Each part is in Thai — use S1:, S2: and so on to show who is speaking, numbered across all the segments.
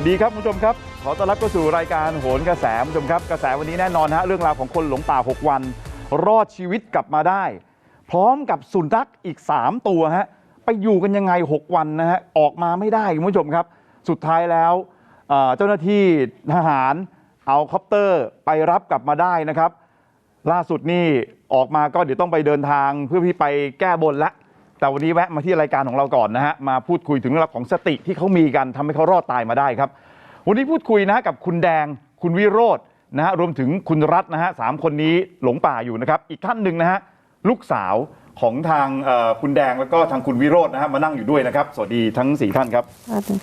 S1: วัสดีครับคุณผู้ชมครับขอต้อนรับเข้าสู่รายการโหนกระแสคุณผู้ชมครับกระแสวันนี้แน่นอนฮะเรื่องราวของคนหลงป่า6วันรอดชีวิตกลับมาได้พร้อมกับสุนัขอีก3ตัวฮะไปอยู่กันยังไง6วันนะฮะออกมาไม่ได้คุณผู้ชมครับสุดท้ายแล้วเจ้าหน้าที่ทหารเอาคอปเตอร์ไปรับกลับมาได้นะครับล่าสุดนี่ออกมาก็เดี๋ยวต้องไปเดินทางเพื่อที่ไปแก้บนละแต่วันนี้แวะมาที่รายการของเราก่อนนะฮะมาพูดคุยถึงเรื่องของสติที่เขามีกันทำให้เขารอดตายมาได้ครับวันนี้พูดคุยนะกับคุณแดงคุณวิโรจน์นะฮะรวมถึงคุณรัตน์นะฮะ3คนนี้หลงป่าอยู่นะครับอีกท่านหนึ่งนะฮะลูกสาวของทางคุณแดงแล้วก็ทางคุณวิโรจน์นะฮะมานั่งอยู่ด้วยนะครับสวัสดีทั้ง4ท่านครับ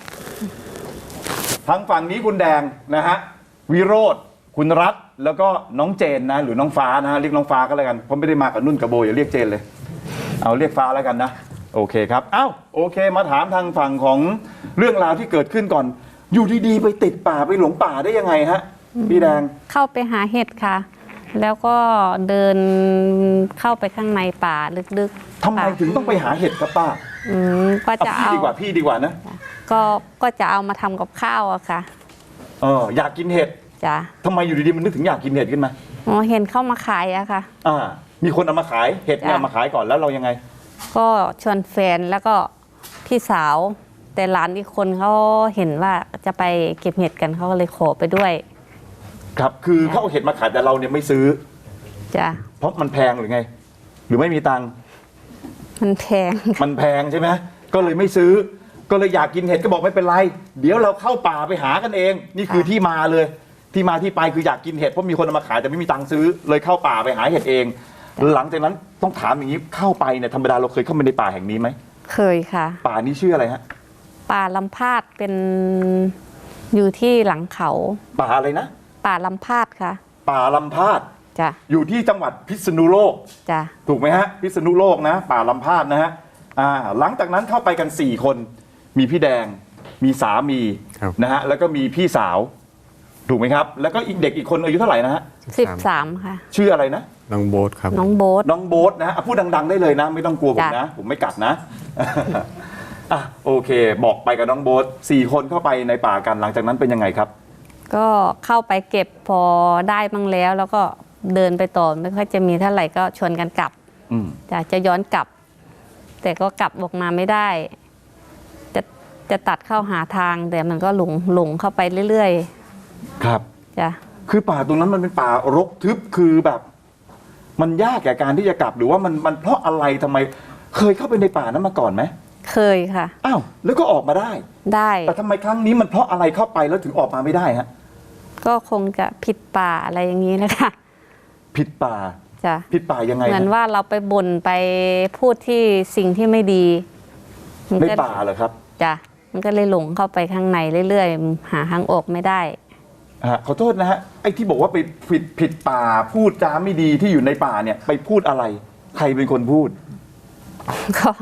S1: ทางฝั่งนี้คุณแดงนะฮะวิโรจน์คุณรัตน์แล้วก็น้องเจนนะหรือน้องฟ้านะฮะเรียกน้องฟ้าก็แล้วกันเพราะไม่ได้มากับนุ่นกับโบอย่าเรียกเจนเลยเอาเรียกฟ้าแล้วกันนะโอเคครับอ้าวโอเคมาถามทางฝั่งของเรื่องราวที่เกิดขึ้นก่อนอยู่ดีๆไปติดป่าไปหลงป่าได้ยังไงฮะพี่แดง
S2: เข้าไปหาเห็ดค่ะแล้วก็เดินเข้าไปข้างในป่าลึกๆ
S1: ทำไมถึงต้องไปหาเห็ดครับป้า
S2: ก็จะเอา
S1: พี่ดีกว่านะ
S2: ก็จะเอามาทำกับข้าวอะค่ะ
S1: อยากกินเห็ด
S2: จ้ะ
S1: ทำไมอยู่ดีๆมันนึกถึงอยากกินเห็ดขึ้นมา
S2: เห็นเข้ามาขายอะค่ะ
S1: มีคนเอามาขายเห็ดเนี่ยมาขายก่อนแล้วเรายังไง
S2: ก็ชวนแฟนแล้วก็พี่สาวแต่หลานอีกคนเขาเห็นว่าจะไปเก็บเห็ดกันเขาก็เลยขอไปด้วย
S1: ครับคือเขาเอาเห็ดมาขายแต่เราเนี่ยไม่ซื้อ
S2: จ้ะ
S1: เพราะมันแพงหรือไงหรือไม่มีตังค์
S2: มันแพง
S1: ใช่ไหมก็เลยไม่ซื้อก็เลยอยากกินเห็ดก็บอกไม่เป็นไรเดี๋ยวเราเข้าป่าไปหากันเองนี่คือที่มาเลยที่มาที่ไปคืออยากกินเห็ดเพราะมีคนเอามาขายแต่ไม่มีตังค์ซื้อเลยเข้าป่าไปหาเห็ดเองหลังจากนั้นต้องถามอย่างนี้เข้าไปเนี่ยธรรมดาเราเคยเข้าไปในป่าแห่งนี้ไหม
S2: เคยค่ะ
S1: ป่านี้ชื่ออะไรฮะ
S2: ป่าลำพาดเป็นอยู่ที่หลังเขา
S1: ป่าอะไรนะ
S2: ป่าลำพาดค่ะ
S1: ป่าลำพาด
S2: จ้ะ
S1: อยู่ที่จังหวัดพิษณุโลก
S2: จ้ะ
S1: ถูกไหมฮะพิษณุโลกนะป่าลำพาดนะฮะหลังจากนั้นเข้าไปกัน4คนมีพี่แดงมีสามีนะฮะแล้วก็มีพี่สาวถูกไหมครับแล้วก็อีกเด็กอีกคนอายุเท่าไหร่นะฮะ
S2: 13ค่ะ
S1: ชื่ออะไรนะ
S3: น้องโบ๊ทครับ
S2: น้องโบ๊ท
S1: นะฮะพูดดังๆได้เลยนะไม่ต้องกลัวผมนะผมไม่กัดนะโอเคบอกไปกับน้องโบ๊ท4คนเข้าไปในป่ากันหลังจากนั้นเป็นยังไงครับ
S2: ก็เข้าไปเก็บพอได้บ้างแล้วก็เดินไปต่อไม่ค่อยจะมีเท่าไหร่ก็ชวนกันกลับจะย้อนกลับแต่ก็กลับออกมาไม่ได้จะตัดเข้าหาทางแต่มันก็หลงเข้าไปเรื่อย
S1: ๆครับ
S2: จ้ะ
S1: คือป่าตรงนั้นมันเป็นป่ารกทึบคือแบบมันยากแก่การที่จะกลับหรือว่ามันเพราะอะไรทำไมเคยเข้าไปในป่านั้นมาก่อนไหม
S2: เคยค่ะ
S1: อ้าวแล้วก็ออกมาได้แต่ทำไมครั้งนี้มันเพราะอะไรเข้าไปแล้วถึงออกมาไม่ได้ฮะ
S2: ก็คงจะผิดป่าอะไรอย่างนี้นะคะ
S1: ผิดป่า
S2: จ้ะ
S1: ผิดป่ายังไง
S2: เหมือนว่าเราไปบ่นไปพูดที่สิ่งที่ไม่ดี
S1: ในป่าเหรอครับ
S2: จ้ะมันก็เลยหลงเข้าไปข้างในเรื่อยๆหาทางออกไม่ได้
S1: ขอโทษนะฮะไอ้ที่บอกว่าไปผิดป่าพูดจาไม่ดีที่อยู่ในป่าเนี่ยไปพูดอะไรใครเป็นคนพูด
S2: ก็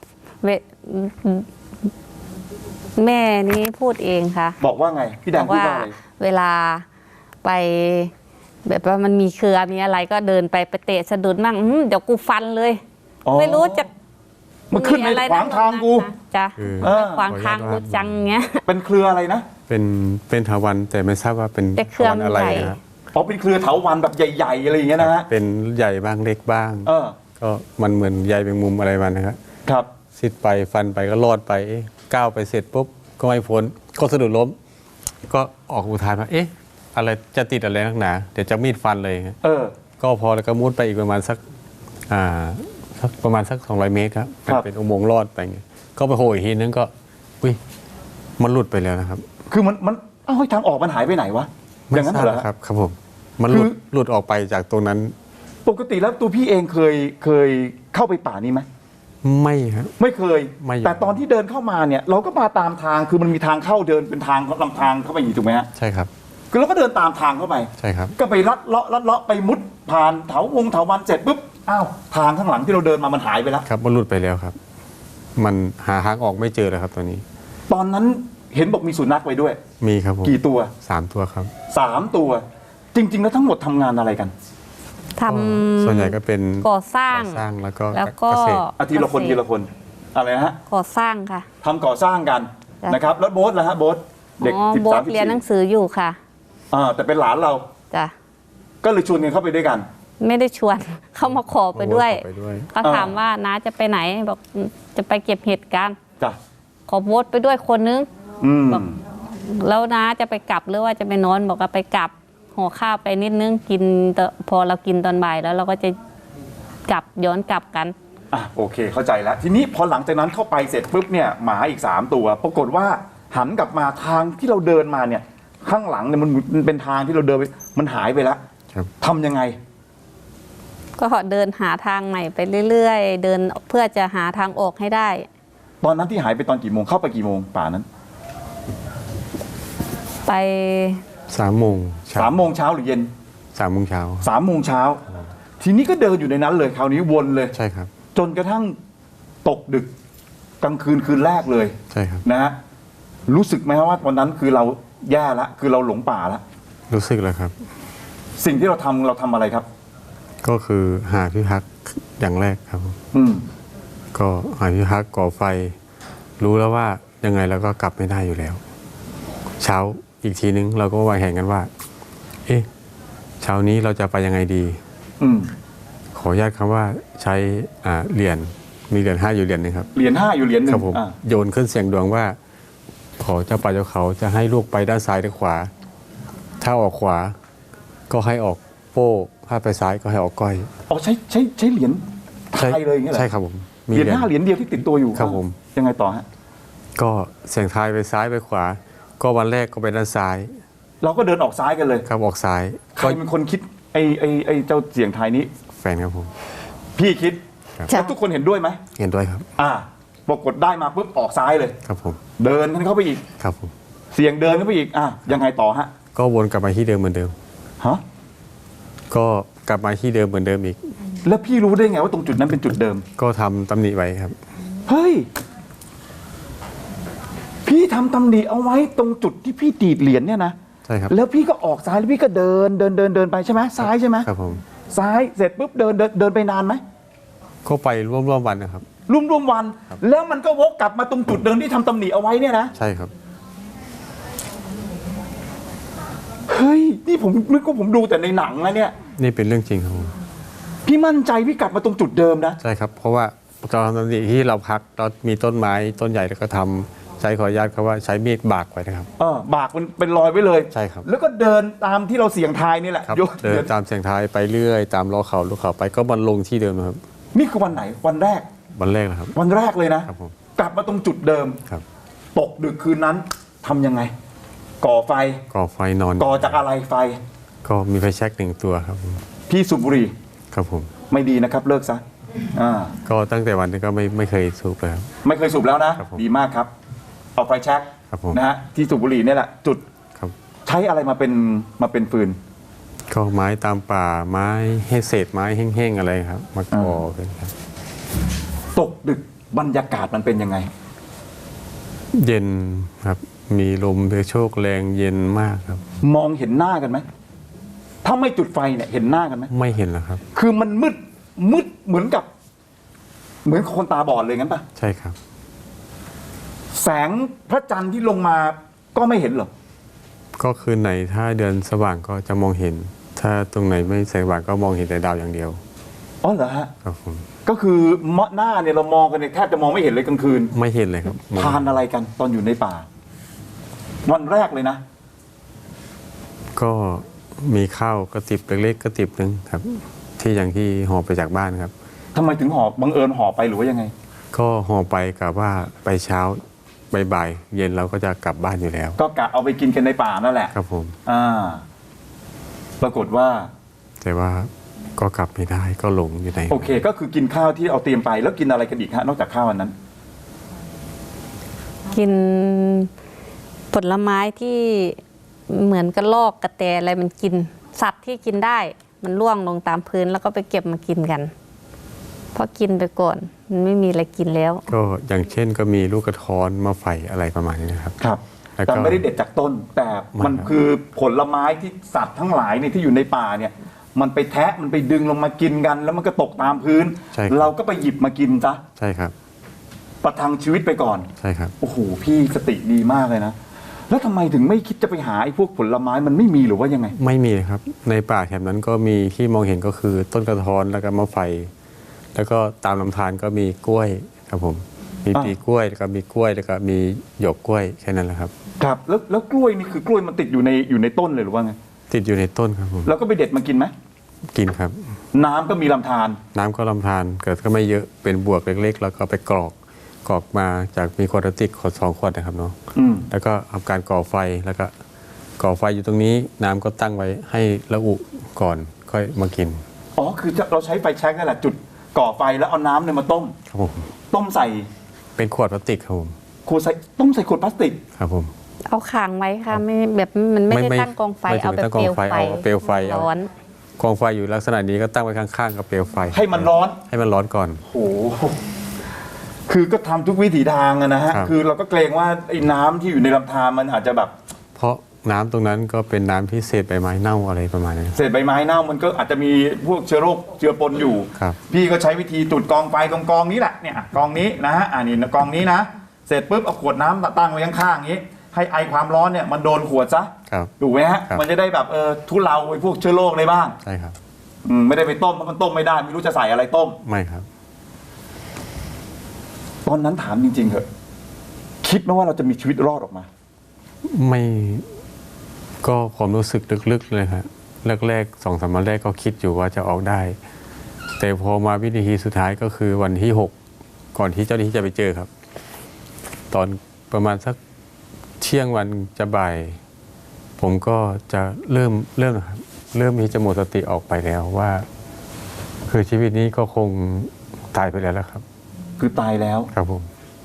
S2: แม่นี้พูดเองค่ะ
S1: บอกว่าไงพี่แดงพูดว่าอะไร
S2: เวลาไปแบบว่ามันมีเครือมีอะไรก็เดินไปเตะสะดุดมั่งเดี๋ยวกูฟันเลยไม่รู้จะ
S1: มันขึ้นในขวางทางกู
S2: จ้ะขวางทางกูจังเงี้ย
S1: เป็นเครืออะไรนะ
S3: เป็นเถาวัลย์แต่ไม่ทราบว่าเป็น
S2: เถาวัลย์อะไร
S3: นะ
S1: เป็นเครือเถาวัลย์แบบใหญ่ๆอะไรอย่างเงี้ยนะฮะ
S3: เป็นใหญ่บ้างเล็กบ้างก็มันเหมือนใยแมงมุมอะไรมันนะครับ
S1: ครับ
S3: ซิดไปฟันไปก็รอดไปก้าวไปเสร็จปุ๊บก็ไม่พ้นก็สะดุดล้มก็ออกอุทานว่าอะไรจะติดอะไรนักหนาเดี๋ยวจะมีดฟันเลยก็พอแล้วก็มุดไปอีกประมาณสัก200 เมตรครับเป็นอุโมงค์ลอดไปไงก็ไปโผล่อีกทีนึงก็มันหลุดไปแล้วนะครับ
S1: คือมันทางออกมันหายไปไหนวะอย่างนั้นเหรอ
S3: ครับผมมันหลุดออกไปจากตรงนั้น
S1: ปกติแล้วตัวพี่เองเคยเข้าไปป่านี้ไหม
S3: ไม่ครับ
S1: ไม่เคยแต่ตอนที่เดินเข้ามาเนี่ยเราก็มาตามทางคือมันมีทางเข้าเดินเป็นทางลำทางเข้าไปอยู่ถูกไหมฮะ
S3: ใช่ครับ
S1: คือเราก็เดินตามทางเข้าไป
S3: ใช่ครับ
S1: ก็ไปลัดเลาะไปมุดผ่านเถาวันเสร็จปุ๊บทางข้างหลังที่เราเดินมามันหายไปแล้ว
S3: ครับมันหลุดไปแล้วครับมันหาทางออกไม่เจอเลยครับตอนนี้
S1: ตอนนั้นเห็นบอกมีสุนัขไว้ด้วย
S3: มีครับผม
S1: กี่ตัว
S3: 3 ตัวครับ
S1: 3 ตัวจริงๆแล้วทั้งหมดทำงานอะไรกัน
S2: ทำ
S3: ส่วนใหญ่ก็เป็น
S2: ก่อสร้าง
S3: แล้วก็
S1: เกษตรทีละคนอะไรนะฮะ
S2: ก่อสร้างค่ะ
S1: ทำก่อสร้างกันนะครับแล้วโบ๊ทล่ะฮะโบ๊ทเด็ก
S2: อ๋อ
S1: สิบ
S2: โบ๊
S1: สาม
S2: ทเรียนหนังสืออยู่ค่ะ
S1: แต่เป็นหลานเรา
S2: จ้ะ
S1: ก็เลยชวนกันเข้าไปด้วยกัน
S2: ไม่ได้ชวน เขามาขอไปด้วย
S3: ขอไปด้วย
S2: ก็ถามว่าน้าจะไปไหนบอกจะไปเก็บเห็ดกัน
S1: จ้ะ
S2: ขอโบ๊ทไปด้วยคนนึง
S1: อืม
S2: บอกแล้วน้าจะไปกลับหรือว่าจะไปนอนบอกว่าไปกลับห่อข้าวไปนิดนึงกินพอเรากินตอนบ่ายแล้วเราก็จะกลับย้อนกลับกัน
S1: โอเคเข้าใจแล้ว ทีนี้พอหลังจากนั้นเข้าไปเสร็จปุ๊บเนี่ยหมาอีก3ตัว ปรากฏว่าหันกลับมาทางที่เราเดินมาเนี่ย ข้างหลังเนี่ยมันเป็นทางที่เราเดินไปมันหายไปแล้ว
S3: ครับ
S1: ทำยังไง
S2: ก็เดินหาทางใหม่ไปเรื่อยๆ เดินเพื่อจะหาทางออกให้ได้
S1: ตอนนั้นที่หายไปตอนกี่โมงเข้าไปกี่โมงป่านั้น
S2: ไป
S3: 3 โมงเช้า
S1: 3 โมงเช้าหรือเย็น
S3: 3 โมงเช้า
S1: 3 โมงเช้า ทีนี้ก็เดินอยู่ในนั้นเลยคราวนี้วนเลย
S3: ใช่ครับ
S1: จนกระทั่งตกดึกกลางคืนคืนแรกเลย
S3: ใช่ครับ
S1: นะฮะรู้สึกไหมว่าวันนั้นคือเราแย่ละคือเราหลงป่าละ
S3: รู้สึกแล้วครับ
S1: สิ่งที่เราทำอะไรครับ
S3: ก็คือหาที่พักอย่างแรกครับ
S1: อืม
S3: ก็หาที่พักก่อไฟ รู้แล้วว่ายังไงเราก็กลับไม่ได้อยู่แล้ว เช้าอีกทีนึงเราก็วางแผนกันว่า เอ๊ะเช้านี้เราจะไปยังไงดี
S1: อืม
S3: ขออนุญาตคำว่าใช้เหรียญมีเหรียญ5อยู่เหรียญหนึงครับ
S1: เหรียญ5อยู่เหรียญหนึ่
S3: ครั
S1: ง
S3: บผม
S1: อ่า
S3: โยนขึ้นเสียงดวงว่า ขอเจ้าป่าเจ้าเขาจะให้ลูกไปด้านซ้ายหรือขวา ถ้าออกขวา ก็ให้ออกโป้ถ้าไปซ้ายก็ให้ออกก้อย
S1: อ๋อใช้เหรียญไทยเลยอย่างเงี้ยเหรอ
S3: ใช่ครับผม
S1: เหรียญ5เหรียญเดียวที่ติดตัวอยู่
S3: ครับผม
S1: ยังไงต่อฮะ
S3: ก็เสียงทายไปซ้ายไปขวา ก็วันแรกก็ไปด้านซ้าย
S1: เราก็เดินออกซ้ายกันเลย
S3: ครับออกซ้าย
S1: ใครเป็นคนคิดไอ้เจ้าเสียงไทยนี้
S3: แฟนครับผม
S1: พี่คิด
S3: ครับ
S1: แล้วทุกคนเห็นด้วยไหม
S3: เห็นด้วยครับ
S1: ปรากฏได้มาปุ๊บออกซ้ายเลย
S3: ครับผม
S1: เดินกันเข้าไปอีก
S3: ครับผม
S1: เสียงเดินเข้าไปอีกยังไงต่อฮะ
S3: ก็วนกลับมาที่เดิมเหมือนเดิม
S1: ฮะ
S3: ก็กลับมาที่เดิมเหมือนเดิมอีก
S1: แล้วพี่รู้ได้ไงว่าตรงจุดนั้นเป็นจุดเดิม
S3: ก็ทำตำหนิไว้ครับ
S1: เฮ้ย พี่ทำตำหนิเอาไว้ตรงจุดที่พี่ดีดเหรียญเนี่ยนะ
S3: ใช่ครับ
S1: แล้วพี่ก็ออกซ้ายแล้วพี่ก็เดินไปใช่ไหมซ้ายใช่ไหม
S3: ครับผม
S1: ซ้ายเสร็จปุ๊บเดินไปนานไหม
S3: ก็ไปร่วมวันนะครับ
S1: ร่วมวัน แล้วมันก็วกกลับมาตรงจุดเดิมที่ทำตำหนิเอาไว้เนี่ยนะ
S3: ใช่ครับ
S1: เฮ้ยนี่ผมนึกว่าผมดูแต่ในหนังนะเนี่ย
S3: นี่เป็นเรื่องจริงครับผม
S1: พี่มั่นใจพี่กลับมาตรงจุดเดิมนะ
S3: ใช่ครับ เพราะว่าตอนทำตำหนิที่เราพักเรามีต้นไม้ต้นใหญ่แล้วก็ทำใช้ขออนุญาตครับว่าใช้มีดบากไว้นะครับ
S1: บากมันเป็นรอยไว้เลย
S3: ใช่ครับ
S1: แล้วก็เดินตามที่เราเสี่ยงทายนี่แหละ
S3: ครับ
S1: โย
S3: เดินตามเสียงท้ายไปเรื่อยตามล้อเขาลูกเขาไปก็มันลงที่เดิมนะครับ
S1: นี่คือวันไหนวันแรก
S3: วันแรกนะครับ
S1: วันแรกเลยนะครับ
S3: ผม
S1: กลับมาตรงจุดเดิม
S3: ครับ
S1: ตกดึกคืนนั้นทำยังไง ก่อไฟ
S3: ก่อไฟนอน
S1: ก่อจากอะไรไฟ
S3: ก็มีไฟแช็ก1 ตัวครับผม
S1: พี่สูบบุหรี่
S3: ครับผม
S1: ไม่ดีนะครับเลิกซะา
S3: ก็ตั้งแต่วันนี้ก็ไม่เคยสูบเลยครับ
S1: ไม่เคยสูบแล้วนะ
S3: ครับผม
S1: ดีมากครับ เอาไฟแช็ก
S3: ครับผม
S1: นะฮะที่สูบบุหรี่เนี่ยแหละจุด
S3: ครับ
S1: ใช้อะไรมาเป็นฟืน
S3: ก็ไม้ตามป่าไม้ให้เศษไม้แห้งๆอะไรครับ มาก่อกันครับ
S1: ตกดึกบรรยากาศมันเป็นยังไง
S3: เย็นครับ มีลมเพโชกแรงเย็นมากครับ
S1: มองเห็นหน้ากันไหมถ้าไม่จุดไฟเนี่ยเห็นหน้ากันไหม
S3: ไม่เห็นแล้วครับ
S1: คือมันมืดเหมือนคนตาบอดเลยงั้นปะ
S3: ใช่ครับ
S1: แสงพระจันทร์ที่ลงมาก็ไม่เห็นเหรอ
S3: ก็คืนไหนถ้าเดือนสว่างก็จะมองเห็น ถ้าตรงไหนไม่แสงสว่างก็มองเห็นแต่ดาวอย่างเดียว
S1: อ๋อเหรอฮะ
S3: ครับผม
S1: ก็คือหน้าเนี่ยเรามองกันเนี่ยแทบจะมองไม่เห็นเลยกลางคืน
S3: ไม่เห็นเลยครับมอง
S1: ทานอะไรกันตอนอยู่ในป่า วันแรกเลยนะ
S3: ก็มีข้าวกระติบเล็กๆกระติบหนึ่งครับ ที่อย่างที่ห่อไปจากบ้านครับ
S1: ทำไมถึงห่อบังเอิญห่อไปหรือว่ายังไง
S3: ก็ห่อไปกับว่าไปเช้าบ่ายๆเย็นเราก็จะกลับบ้านอยู่แล้ว
S1: ก็กะเอาไปกินกันในป่านั่นแหละ
S3: ครับผม
S1: ปรากฏว่า
S3: แต่ว่าก็กลับไม่ได้ก็หลงอยู่ใน
S1: โอเค ก็คือกินข้าวที่เอาเตรียมไปแล้วกินอะไรกันอีกฮะนอกจากข้าวอันนั้น
S2: กินผลไม้ที่เหมือนกระรอกกระแตอะไรมันกินสัตว์ที่กินได้ มันร่วงลงตามพื้นแล้วก็ไปเก็บมากินกันเพราะกินไปก่อนมันไม่มีอะไรกินแล้ว
S3: ก็อย่างเช่นก็มีลูกกระท้อนมาไฟอะไรประมาณนี้นะครับ
S1: ครับ
S3: แล้วก็
S1: แต่ไม่ได้เด็ดจากต้น แต่มัน
S3: ไม่ครับ
S1: คือผลไม้ที่สัตว์ทั้งหลายเนี่ยที่อยู่ในป่าเนี่ย มันไปแทะมันไปดึงลงมากินกัน แล้วมันก็ตกตามพื้น
S3: ใช่ครับ
S1: เราก็ไปหยิบมากินซะ
S3: ใช่ครับ
S1: ประทังชีวิตไปก่อน
S3: ใช่ครับ
S1: โอ้โหพี่สติดีมากเลยนะแล้วทำไมถึงไม่คิดจะไปหาไอ้พวกผลไม้มันไม่มีหรือว่ายังไง
S3: ไม่มีครับ ในป่าแถบนั้นก็มีที่มองเห็นก็คือต้นกระท้อนแล้วก็มะไฟ แล้วก็ตามลำธารก็มีกล้วยครับผม มีปีกล้วยแล้วก็มีกล้วยแล้วก็มีหยวกกล้วยแค่นั้นแหละครับ
S1: ครับแล้วกล้วยนี่คือกล้วยมันติดอยู่ในต้นเลยหรือว่าไง
S3: ติดอยู่ในต้นครับผม
S1: แล้วก็ไปเด็ดมากินไหม
S3: กินครับ
S1: น้ำก็มีลำธาร
S3: น้ำก็ลำธารเกิดก็ไม่เยอะเป็นบวกเล็กๆ แล้วก็ไปกรอกมาจากมีขวดพลาสติกขวด2 ขวดนะครับเนาะ
S1: อืม
S3: แล้วก็ทำการก่อไฟแล้วก็ก่อไฟอยู่ตรงนี้น้ำก็ตั้งไว้ให้ระอุก่อนค่อยมากิน
S1: อ๋อคือเราใช้ไฟแช็กนั่นแหละจุดก่อไฟแล้วเอาน้ำเนี่ยมาต้ม
S3: ครับผม
S1: ต้มใส่
S3: เป็นขวดพลาสติกครับผม
S1: ต้มใส่ขวดพลาสติก
S3: ครับผม
S2: เอาขังไว้ค่ะไม่แบบมันไม่ได้
S3: ไม่
S2: ตั้งกองไฟ
S3: ไม่ถึง
S2: เอาแบบ
S3: ตั้งกองไฟเอาเปลวไฟเอา
S2: ร้อน
S3: กองไฟอยู่ลักษณะนี้ก็ตั้งไว้ข้างๆกับเปลวไฟ
S1: ให้มันร้อน
S3: ให้มันร้อนก่อน
S1: โอ้โหคือก็ทำทุกวิถีทางอะนะฮะ
S3: ครับ
S1: คือเราก็เกรงว่าไอ้น้ำที่อยู่ในลำธารมันอาจจะแบบ
S3: เพราะน้ำตรงนั้นก็เป็นน้ำที่เศษใบไม้เน่าอะไรประมาณนี้
S1: เศษใบไม้เน่ามันก็อาจจะมีพวกเชื้อโรคเจือปนอยู่
S3: ครับ
S1: พี่ก็ใช้วิธีจุดกองไฟกองนี้แหละเนี่ยกองนี้นะฮะนี่กองนี้นะเสร็จปุ๊บเอาขวดน้ำตั้งไว้ข้างๆอย่างนี้ ให้ไอความร้อนเนี่ยมันโดนขวดซะ
S3: ครับ
S1: ถูกไหมฮะ
S3: ครับ
S1: มันจะได้แบบทุเลาไอ้พวกเชื้อโรคได้บ้าง
S3: ใช่ครับ
S1: ไม่ได้ไปต้มเพราะมันต้มไม่ได้ไม่รู้จะใส่อะไรต้ม
S3: ไม่ครับ
S1: ตอนนั้นถามจริงๆเถอะคิดไหมว่าเราจะมีชีวิตรอดออกมา
S3: ไม่ก็ความรู้สึกลึกๆเลยครับแรกๆ2-3 วันแรกก็คิดอยู่ว่าจะออกได้ แต่พอมาวินาทีสุดท้ายก็คือวันที่ 6 ก่อนที่เจ้าหน้าที่จะไปเจอครับ ตอนประมาณสักเที่ยงวันจะบ่าย ผมก็จะเริ่มนะครับเริ่มที่จะหมดสติออกไปแล้วว่า คือชีวิตนี้ก็คงตายไปแล้วล่ะครับ
S1: คือตายแล้ว
S3: ครับผม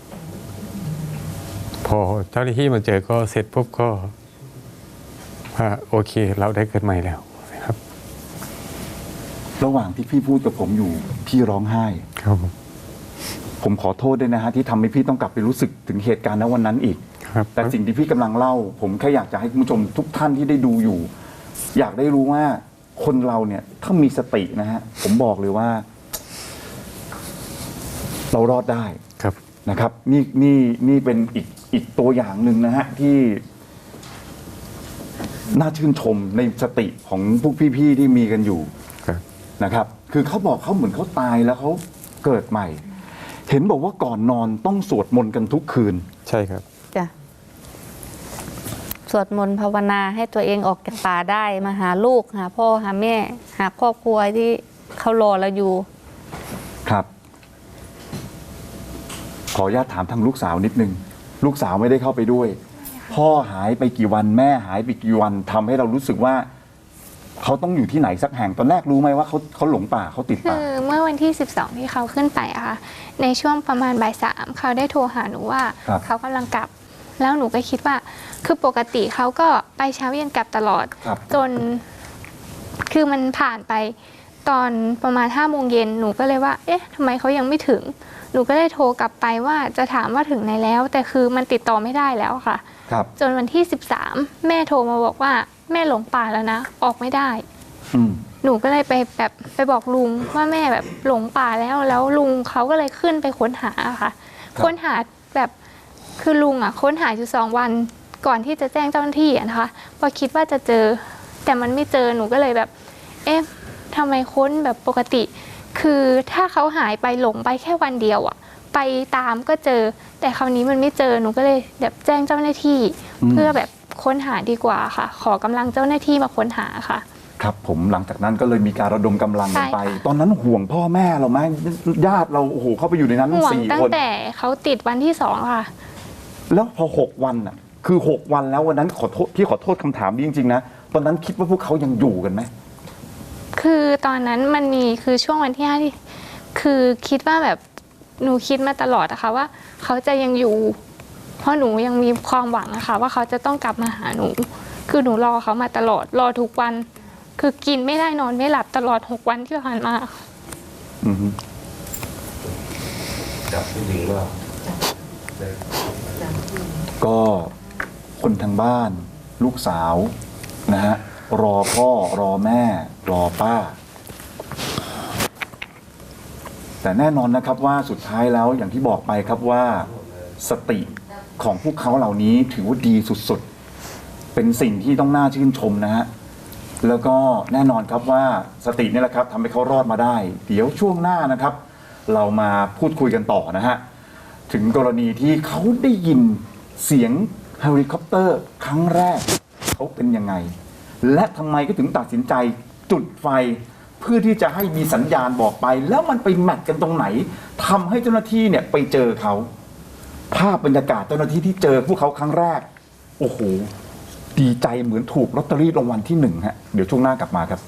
S3: พอเจ้าหน้าที่มาเจอก็เสร็จปุ๊บก็ว่าโอเค เราได้เกิดใหม่แล้วนะครับ
S1: ระหว่างที่พี่พูดกับผมอยู่พี่ร้องไห้
S3: ครับผม
S1: ผมขอโทษด้วยนะฮะที่ทำให้พี่ต้องกลับไปรู้สึกถึงเหตุการณ์ณวันนั้นอีก
S3: ครับ
S1: แต่สิ่งที่พี่กำลังเล่า ผมแค่อยากจะให้คุณผู้ชมทุกท่านที่ได้ดูอยู่ อยากได้รู้ว่าคนเราเนี่ยถ้ามีสตินะฮะผมบอกเลยว่า เรารอดได้
S3: ครับ
S1: นะครับนี่เป็นอีกตัวอย่างหนึ่งนะฮะที่น่าชื่นชมในสติของพวกพี่ๆที่มีกันอยู่
S3: ครับ
S1: นะครับ คือเขาบอกเขาเหมือนเขาตายแล้วเขาเกิดใหม่ เห็นบอกว่าก่อนนอนต้องสวดมนต์กันทุกคืน
S3: ใช่ครับ
S2: จ้ะสวดมนต์ภาวนาให้ตัวเองออกจากป่าได้มาหาลูกหาพ่อหาแม่ หาครอบครัวที่เขารอเราอยู่
S1: ครับ ขออนุญาตถามทางลูกสาวนิดนึง ลูกสาวไม่ได้เข้าไปด้วย พ่อหายไปกี่วันแม่หายไปกี่วันทำให้เรารู้สึกว่า เขาต้องอยู่ที่ไหนสักแห่งตอนแรกรู้ไหมว่าเขาหลงป่าเขาติด
S4: คื
S1: ป่า
S4: อเมื่อวันที่ 12 ที่เขาขึ้นไปอะค่ะ ในช่วงประมาณบ่าย 3เขาได้โทรหาหนูว่า
S1: ครับ
S4: เขากำลังกลับ แล้วหนูก็คิดว่า คือปกติเขาก็ไปเช้าเย็นกลับตลอด
S1: ครับ
S4: จน คือมันผ่านไปตอนประมาณ5 โมงเย็นหนูก็เลยว่า เอ๊ะทำไมเขายังไม่ถึง หนูก็เลยโทรกลับไปว่าจะถามว่าถึงไหนแล้ว แต่คือมันติดต่อไม่ได้แล้วค่ะ
S1: ครับ
S4: จนวันที่ 13 แม่โทรมาบอกว่าแม่หลงป่าแล้วนะ ออกไม่ได้
S1: อืม
S4: หนูก็เลยไปบอกลุงว่าแม่แบบหลงป่าแล้วลุงเขาก็เลยขึ้นไปค้นหาค่ะ
S1: ครับ
S4: ค้นหาแบบคือลุงอ่ะค้นหาอยู่2 วันก่อนที่จะแจ้งเจ้าหน้าที่อะนะคะพอคิดว่าจะเจอ แต่มันไม่เจอหนูก็เลยแบบ เอ๊ะทำไมค้นแบบปกติ คือถ้าเขาหายไปหลงไปแค่วันเดียวอ่ะ ไปตามก็เจอ แต่คราวนี้มันไม่เจอหนูก็เลยแบบแจ้งเจ้าหน้าที่ เพื่อแบบค้นหาดีกว่าค่ะ ขอกำลังเจ้าหน้าที่มาค้นหาค่ะ
S1: ครับผมหลังจากนั้นก็เลยมีการระดมกำลังกันไป
S4: ใช่ค่ะ
S1: ตอนนั้นห่วงพ่อแม่เราไหมญาติเราโอ้โหเข้าไปอยู่ในนั้น
S4: ห่วง
S1: สี่
S4: ตั้
S1: ค
S4: ง
S1: น
S4: แต่เขาติดวันที่2ค่ะ
S1: แล้วพอ6 วันอ่ะ คือ6 วันแล้ววันนั้นขอโทษพี่ขอโทษคำถามนี้จริงๆนะตอนนั้นคิดว่าพวกเขายังอยู่กันไหม
S4: คือตอนนั้นมันมีคือช่วงวันที่5ที่คือคิดว่าแบบหนูคิดมาตลอดนะคะว่า เขาจะยังอยู่ เพราะหนูยังมีความหวังนะคะว่าเขาจะต้องกลับมาหาหนู คือหนูรอเขามาตลอดรอทุกวัน คือกินไม่ได้นอนไม่หลับตลอด6 วันที่ผ่านมา
S1: อือฮึ
S5: จับผู้หญิงว่า
S1: ก็คนทางบ้าน ลูกสาวนะฮะรอพ่อรอแม่ รอป้า แต่แน่นอนนะครับว่าสุดท้ายแล้วอย่างที่บอกไปครับว่าสติของพวกเขาเหล่านี้ถือว่าดีสุดเป็นสิ่งที่ต้องน่าชื่นชมนะฮะแล้วก็แน่นอนครับว่าสตินี่แหละครับทำให้เขารอดมาได้ เดี๋ยวช่วงหน้านะครับ เรามาพูดคุยกันต่อนะฮะถึงกรณีที่เขาได้ยินเสียงเฮลิคอปเตอร์ครั้งแรกเขาเป็นยังไง และทำไมก็ถึงตัดสินใจจุดไฟ เพื่อที่จะให้มีสัญญาณบอกไป แล้วมันไปแมทกันตรงไหนทำให้เจ้าหน้าที่เนี่ยไปเจอเขาภาพบรรยากาศเจ้าหน้าที่ที่เจอพวกเขาครั้งแรกโอ้โหดีใจเหมือนถูกลอตเตอรี่รางวัลที่1ฮะเดี๋ยวช่วงหน้ากลับมาครับ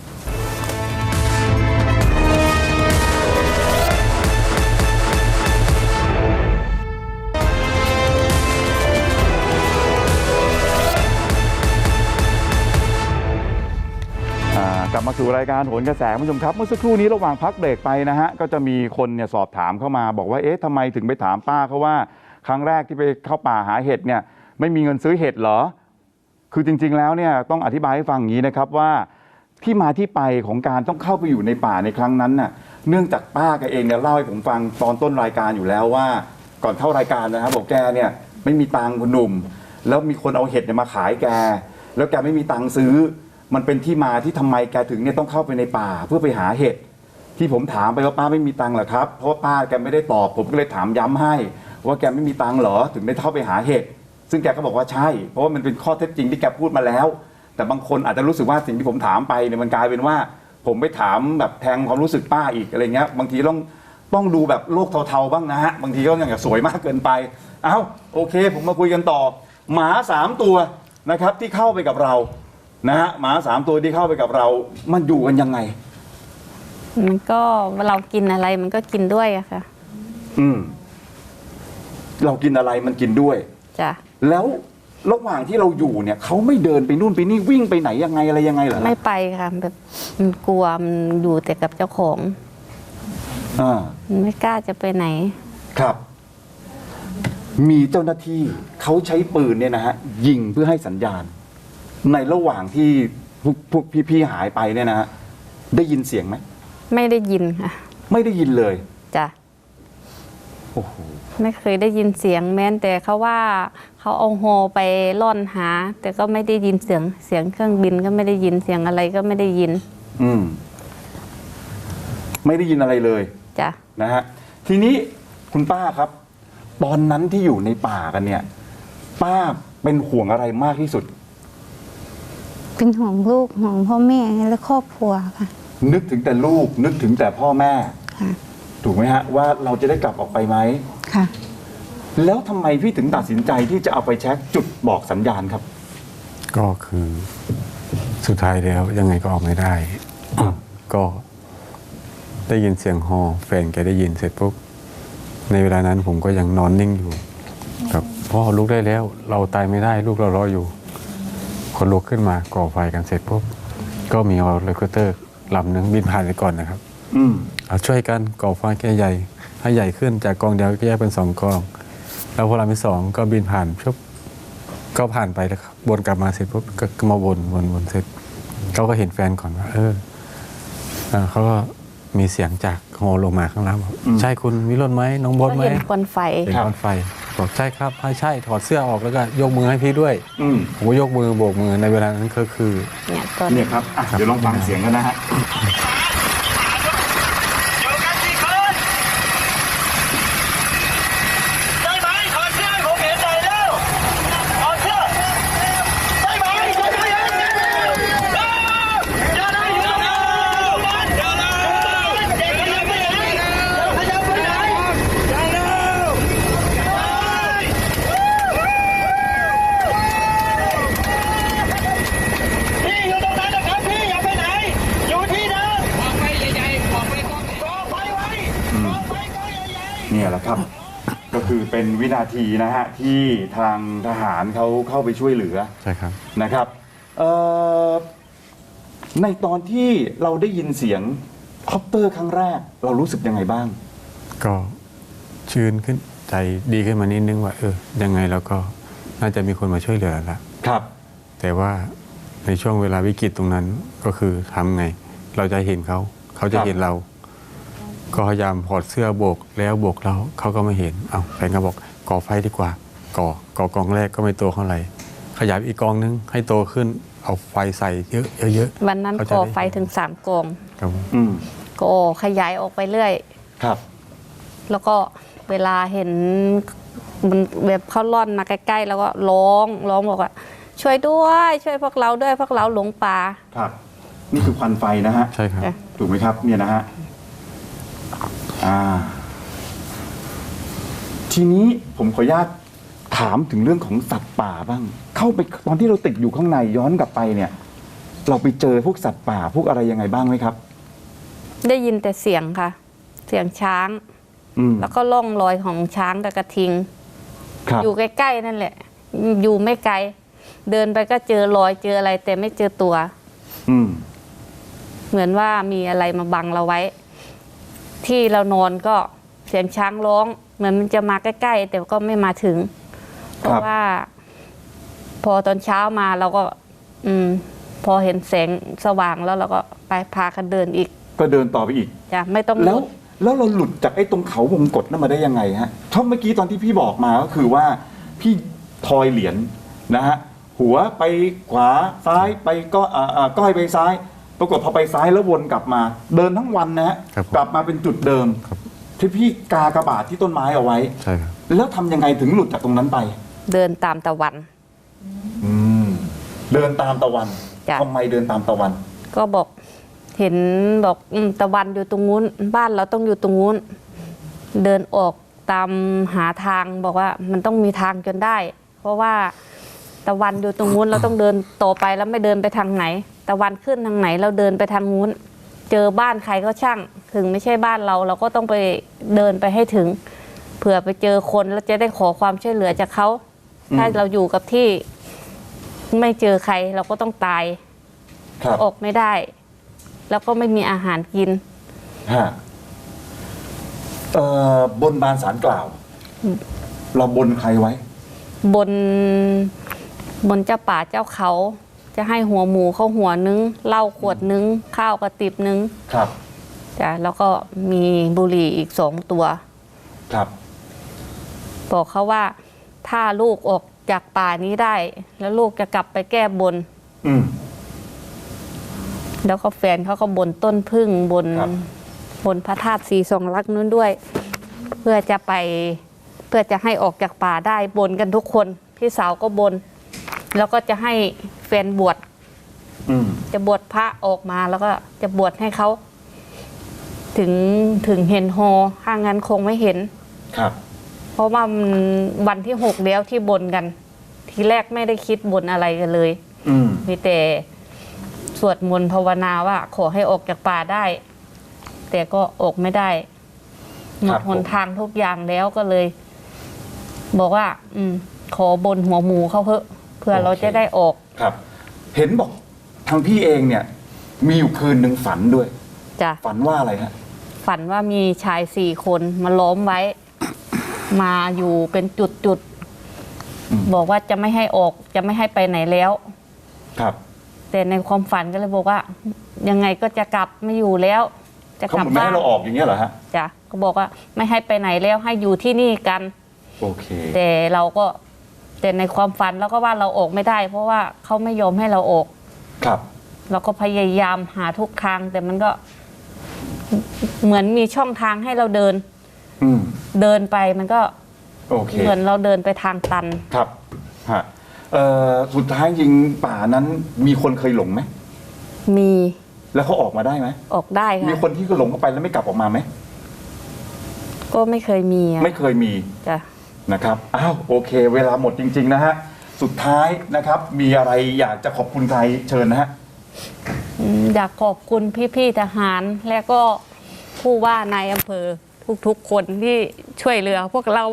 S1: กลับมาสู่รายการโหนกระแสคุณผู้ชมครับเมื่อสักครู่นี้ระหว่างพักเบรกไปนะฮะก็จะมีคนเนี่ยสอบถามเข้ามาบอกว่าเอ๊ะทำไมถึงไปถามป้าเขาว่าครั้งแรกที่ไปเข้าป่าหาเห็ดเนี่ยไม่มีเงินซื้อเห็ดเหรอคือจริงๆแล้วเนี่ยต้องอธิบายให้ฟังอย่างนี้นะครับว่าที่มาที่ไปของการต้องเข้าไปอยู่ในป่าในครั้งนั้นน่ะเนื่องจากป้าแกเองเนี่ยเล่าให้ผมฟังตอนต้นรายการอยู่แล้วว่าก่อนเข้ารายการนะครับบอกแกเนี่ยไม่มีตังค์คุณหนุ่มแล้วมีคนเอาเห็ดเนี่ยมาขายแกแล้วแกไม่มีตังค์ซื้อมันเป็นที่มาที่ทำไมแกถึงเนี่ยต้องเข้าไปในป่าเพื่อไปหาเห็ดที่ผมถามไปว่าป้าไม่มีตังค์เหรอครับเพราะว่าป้าแกไม่ได้ตอบผมก็เลยถามย้ำให้ว่าแกไม่มีตังค์เหรอถึงได้เข้าไปหาเห็ดซึ่งแกก็บอกว่าใช่เพราะว่ามันเป็นข้อเท็จจริงที่แกพูดมาแล้วแต่บางคนอาจจะรู้สึกว่าสิ่งที่ผมถามไปเนี่ยมันกลายเป็นว่าผมไปถามแบบแทงความรู้สึกป้าอีกอะไรเงี้ยบางทีต้องดูแบบโลกเทาๆบ้างนะฮะบางทีก็อย่างสวยมากเกินไปเอ้าโอเคผมมาคุยกันต่อหมา3ตัวนะครับที่เข้าไปกับเรานะฮะหมา3ตัวที่เข้าไปกับเรามันอยู่กันยังไง
S2: มันก็เรากินอะไรมันก็กินด้วยอะค่ะ
S1: เรากินอะไรมันกินด้วย
S2: จ้ะ
S1: แล้วระหว่างที่เราอยู่เนี่ยเขาไม่เดินไปนู่นไปนี่วิ่งไปไหนยังไงอะไรยังไงเหรอ
S2: ไม่ไปค่ะแบบมันกลัวมันอยู่แต่กับเจ้าของมันไม่กล้าจะไปไหน
S1: ครับมีเจ้าหน้าที่เขาใช้ปืนเนี่ยนะฮะยิงเพื่อให้สัญญาณในระหว่างที่พวกพี่ๆหายไปเนี่ยนะฮะได้ยินเสียงไหม
S2: ไม่ได้ยินค่ะ
S1: ไม่ได้ยินเลย
S2: จ้ะ
S1: โอ้โห
S2: ไม่เคยได้ยินเสียงแม้แต่เขาว่าเขาเอาโฮไปล่อนหาแต่ก็ไม่ได้ยินเสียงเครื่องบินก็ไม่ได้ยินเสียงอะไรก็ไม่ได้ยิน
S1: ไม่ได้ยินอะไรเลย
S2: จ้ะ
S1: นะฮะทีนี้คุณป้าครับตอนนั้นที่อยู่ในป่ากันเนี่ยป้าเป็นห่วงอะไรมากที่สุด
S5: เป็นห่วงลูกห่วงพ่อแม่และครอบครัวค่ะ
S1: นึกถึงแต่ลูกนึกถึงแต่พ่อแม่ถูกไหมฮะว่าเราจะได้กลับออกไปไหม
S5: ค่ะ
S1: แล้วทำไมพี่ถึงตัดสินใจที่จะเอาไปแช็คจุดบอกสัญญาณครับ
S3: ก็คือสุดท้ายแล้วยังไงก็ออกไม่ได้ก็ได้ยินเสียงฮอแฟนแกได้ยินเสร็จปุ๊บในเวลานั้นผมก็ยังนอนนิ่งอยู่กับพ่อลุกได้แล้วเราตายไม่ได้ลูกเรารออยู่คนลุกขึ้นมาก่อไฟกันเสร็จปุ๊บก็มีเฮลิคอปเตอร์ลำหนึ่งบินผ่านไปก่อนนะครับเอาช่วยกันก่อไฟแก่ใหญ่ให้ใหญ่ขึ้นจากกองเดียวก็แยกเป็น2กองแล้วพอลำที่2ก็บินผ่านปุ๊บก็ผ่านไปแล้วครับวนกลับมาเสร็จปุ๊บก็มาวนเสร็จเขาก็เห็นแฟนก่อนว่าเขาก็มีเสียงจากฮอลงมาข้างล่างบอกใช่คุณวิโรจน์ไหมน้องบดไหม
S2: เห็นควันไฟ
S3: เห็นควันไฟบอกใช่ครับใช่ถอดเสื้อออกแล้วก็ยกมือให้พี่ด้วยผมก็ยกมือโบกมือในเวลานั้นก็คือ
S1: เนี่ยครับเดี๋ยวลองฟังเสียงกันนะฮะเนี่ยแหละครับก็คือเป็นวินาทีนะฮะที่ทางทหารเขาเข้าไปช่วยเหลือ
S3: ใช่ครับ
S1: นะครับในตอนที่เราได้ยินเสียงคอปเตอร์ครั้งแรกเรารู้สึกยังไงบ้าง
S3: ก็ชื่นขึ้นใจดีขึ้นมานิดนึงว่ายังไงเราก็น่าจะมีคนมาช่วยเหลือแล้ว
S1: ครับ
S3: แต่ว่าในช่วงเวลาวิกฤตตรงนั้นก็คือทำไงเราจะเห็นเขาจะเห็นเราก็พยายามถอดเสื้อโบกแล้วโบกเราเขาก็ไม่เห็นแฟนก็บอกก่อไฟดีกว่าก่อกองแรกก็ไม่ตัวเท่าไหร่ขยายอีกกองนึงให้โตขึ้นเอาไฟใส่เยอะ
S2: วันนั้น
S3: เขา
S2: ข
S3: จะ
S2: อ
S3: ได้
S2: ไฟถึง3กอง
S3: ครับผม
S1: อืม
S2: ก็ขยายออกไปเรื่อย
S1: ครับ
S2: แล้วก็เวลาเห็นมันแบบเขาล่อนมาใกล้ๆแล้วก็ร้องบอกว่า ช่วยด้วยช่วยพวกเราด้วยพวกเราหลงป่า
S1: ครับ นี่คือควันไฟนะฮะ
S3: ใช่ครับ
S2: จ้ะ
S1: ถูกไหมครับ เนี่ยนะฮะ ทีนี้ผมขออนุญาตถามถึงเรื่องของสัตว์ป่าบ้าง เข้าไปตอนที่เราติดอยู่ข้างในย้อนกลับไปเนี่ย เราไปเจอพวกสัตว์ป่าพวกอะไรยังไงบ้างไหมครับ
S2: ได้ยินแต่เสียงค่ะ เสียงช้าง
S1: อืม
S2: แล้วก็ล่องรอยของช้างกับกระทิง
S1: ครับ
S2: อยู่ใกล้ๆนั่นแหละ อยู่ไม่ไกล เดินไปก็เจอรอยเจออะไร แต่ไม่เจอตัว
S1: อืม
S2: เหมือนว่ามีอะไรมาบังเราไว้ ที่เรานอนก็เสียงช้างร้อง เหมือนมันจะมาใกล้ๆแต่ก็ไม่มาถึง เพราะว่า พอตอนเช้ามาเราก็ พอเห็นแสงสว่างแล้วเราก็ไปพากันเดินอีก
S1: ก็เดินต่อไปอีก
S2: จ้ะไม่ต้อง
S1: แล้ว
S2: หยุด
S1: แล้วเราหลุดจากไอ้ตรงเขาวงกฏนั้นมาได้ยังไงฮะเพราะเมื่อกี้ตอนที่พี่บอกมาก็คือว่าพี่ทอยเหรียญนะฮะหัวไปขวาซ้ายไปก็ก้อยไปซ้าย ปรากฏพอไปซ้ายแล้ววนกลับมา เดินทั้งวันนะฮะ
S3: ครับผม
S1: กลับมาเป็นจุดเดิม
S3: ครับ
S1: ที่พี่กากระบาดที่ต้นไม้เอาไว้
S3: ใช่ครับ
S1: แล้วทำยังไงถึงหลุดจากตรงนั้นไป
S2: เดินตามตะวัน
S1: อืมเดินตามตะวัน
S2: จ้ะ
S1: ทำไมเดินตามตะวัน
S2: ก็บอกเห็นบอกตะวันอยู่ตรงนู้นบ้านเราต้องอยู่ตรงนู้นเดินออกตามหาทางบอกว่ามันต้องมีทางจนได้ เพราะว่าตะวันอยู่ตรงนู้นเราต้องเดินต่อไปแล้วไม่เดินไปทางไหน ตะวันขึ้นทางไหนเราเดินไปทางนู้น เจอบ้านใครก็ช่าง ถึงไม่ใช่บ้านเราเราก็ต้องไปเดินไปให้ถึง เผื่อไปเจอคนแล้วจะได้ขอความช่วยเหลือจากเขา ถ้าเราอยู่กับที่ไม่เจอใครเราก็ต้องตาย
S1: ครับ
S2: ออกไม่ได้ แล้วก็ไม่มีอาหารกิน
S1: ฮะบนบานสารกล่าว เราบนใครไว้
S2: บนเจ้าป่าเจ้าเขา จะให้หัวหมูเขาหัวนึงเหล้าขวดนึงข้าวกระติบนึง
S1: ครับ
S2: จ้ะแล้วก็มีบุหรี่อีก2 ตัว
S1: ครับ
S2: บอกเขาว่าถ้าลูกออกจากป่านี้ได้ แล้วลูกจะกลับไปแก้บน
S1: อืม
S2: แล้วก็แฟนเขาก็บนต้นพึ่งบน
S1: ครับ
S2: บนพระธาตุสีสองลักษณ์นู้นด้วย เพื่อจะให้ออกจากป่าได้บนกันทุกคนพี่สาวก็บน แล้วก็จะให้แฟนบวช
S1: อืม
S2: จะบวชพระออกมาแล้วก็จะบวชให้เขา ถึงเห็นฮอถ้างั้นคงไม่เห็น
S1: ครับ
S2: เพราะว่ามันวันที่6แล้วที่บนกัน ทีแรกไม่ได้คิดบนอะไรกันเลย
S1: อืม
S2: มีแต่สวดมนต์ภาวนาว่าขอให้ออกจากป่าได้ แต่ก็ออกไม่ได้หมดหนทางทุกอย่างแล้วก็เลย บอกว่า ขอบนหัวหมูเขาเพื่อเราจะได้ออก
S1: ครับ เห็นบอกทางพี่เองเนี่ย มีอยู่คืนหนึ่งฝันด้วย
S2: จ้ะ
S1: ฝันว่าอะไรฮะ
S2: ฝันว่ามีชาย4 คนมาล้อมไว้ มาอยู่เป็นจุด
S1: อืม
S2: ๆบอกว่าจะไม่ให้ออกจะไม่ให้ไปไหนแล้ว
S1: ครับ
S2: แต่ในความฝันก็เลยบอกว่า ยังไงก็จะกลับไม่อยู่แล้ว จะ
S1: เขา
S2: กลั
S1: เห
S2: บ
S1: มือนไม่
S2: บ้าน
S1: ให้เราออกอย่างเงี้ยเหรอฮะ
S2: จ้ะก็บอกว่าไม่ให้ไปไหนแล้วให้อยู่ที่นี่กัน
S1: โอเค
S2: แต่ในความฝันเราก็ว่าเราออกไม่ได้ เพราะว่าเขาไม่ยอมให้เราออก
S1: ครับ
S2: เราก็พยายามหาทุกทาง แต่มันก็เหมือนมีช่องทางให้เราเดิน
S1: อืม
S2: เดินไปมันก็
S1: โอเค
S2: เหมือนเราเดินไปทางตัน
S1: ครับ ฮะ สุดท้ายจริงป่านั้นมีคนเคยหลงไหม
S2: มี
S1: แล้วเขาออกมาได้ไหม
S2: ออกได้
S1: มี
S2: ค่ะ
S1: คนที่ก็หลงเข้าไปแล้วไม่กลับออกมาไหม
S2: ก็ไม่เคยมีอะ
S1: ไม่เคยมี
S2: จ้ะ
S1: นะครับ อ้าว โอเค เวลาหมดจริง ๆ นะฮะ สุดท้ายนะครับ มีอะไรอยากจะขอบคุณใครเชิญนะฮะ
S2: อยากขอบคุณพี่ๆทหาร และก็ผู้ว่านายอำเภอทุกๆคนที่ช่วยเหลือพวกเรา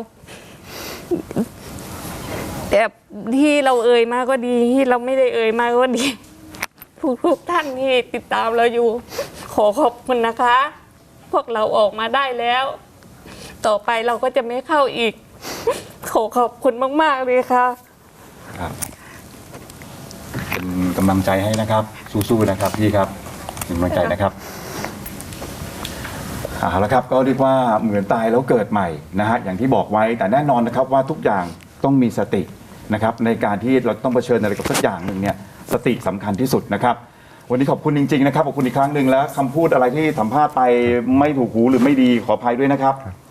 S2: แต่ที่เราเอ่ยมาก็ดีที่เราไม่ได้เอ่ยมาก็ดี ทุกท่านที่ติดตามเราอยู่ ขอขอบคุณนะคะ พวกเราออกมาได้แล้ว ต่อไปเราก็จะไม่เข้าอีก ขอขอบคุณมากๆเลยค่ะ
S1: ครับ เป็นกำลังใจให้นะครับ สู้ๆนะครับพี่ครับเป็นกำลังใจนะครับเอาละครับ ก็เรียกว่าเหมือนตายแล้วเกิดใหม่นะฮะอย่างที่บอกไว้แต่แน่นอนนะครับว่าทุกอย่างต้องมีสตินะครับในการที่เราต้องเผชิญอะไรกับสักอย่างหนึ่งเนี่ยสติสำคัญที่สุดนะครับวันนี้ขอบคุณจริงๆนะครับขอบคุณอีกครั้งหนึ่งแล้วคำพูดอะไรที่สัมภาษณ์ไปไม่ถูกหูหรือไม่ดีขออภัยด้วยนะครับ